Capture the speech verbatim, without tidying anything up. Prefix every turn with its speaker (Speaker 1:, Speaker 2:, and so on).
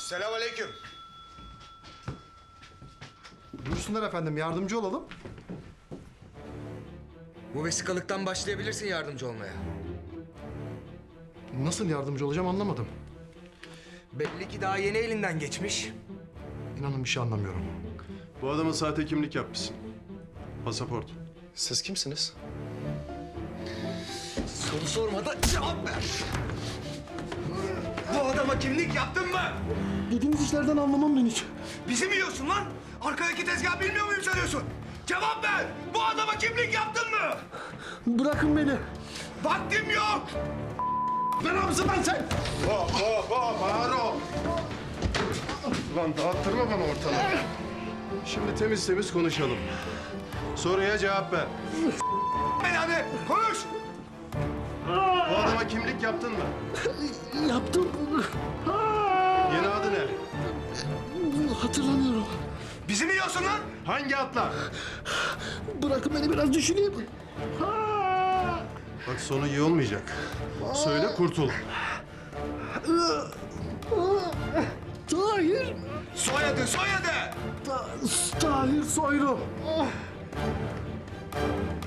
Speaker 1: Selamünaleyküm.
Speaker 2: Buyursunlar efendim, yardımcı olalım.
Speaker 1: Bu vesikalıktan başlayabilirsin yardımcı olmaya.
Speaker 2: Nasıl yardımcı olacağım anlamadım.
Speaker 1: Belli ki daha yeni elinden geçmiş.
Speaker 2: İnanın bir şey anlamıyorum.
Speaker 3: Bu adamın sahte kimlik yapmışsın. Pasaport.
Speaker 2: Siz kimsiniz?
Speaker 1: Soru sormadan cevap ver. Bu adama kimlik yaptın mı?
Speaker 2: Dediğiniz işlerden anlamam ben hiç.
Speaker 1: Bizi mi yiyorsun lan? Arkadaki tezgah bilmiyor muyum sanıyorsun? Cevap ver! Bu adama kimlik yaptın mı?
Speaker 2: Bırakın beni.
Speaker 1: Vaktim yok!
Speaker 2: Belamızı ben sen.
Speaker 3: Hop hop hop ağır ol. Ulan dağıttırma bana ortalığı. Şimdi temiz temiz konuşalım. Soruya cevap ver.
Speaker 1: Ben hadi konuş!
Speaker 3: Bu adama kimlik yaptın mı?
Speaker 2: Yaptım.
Speaker 3: Yeni adı ne?
Speaker 2: Hatırlamıyorum.
Speaker 1: Bizi mi yiyorsun lan?
Speaker 3: Hangi atla?
Speaker 2: Bırakın beni biraz düşüneyim.
Speaker 3: Bak sonu iyi olmayacak. Söyle kurtul.
Speaker 2: Tahir.
Speaker 1: Soyadı soyadı!
Speaker 2: Ta Tahir Soylu.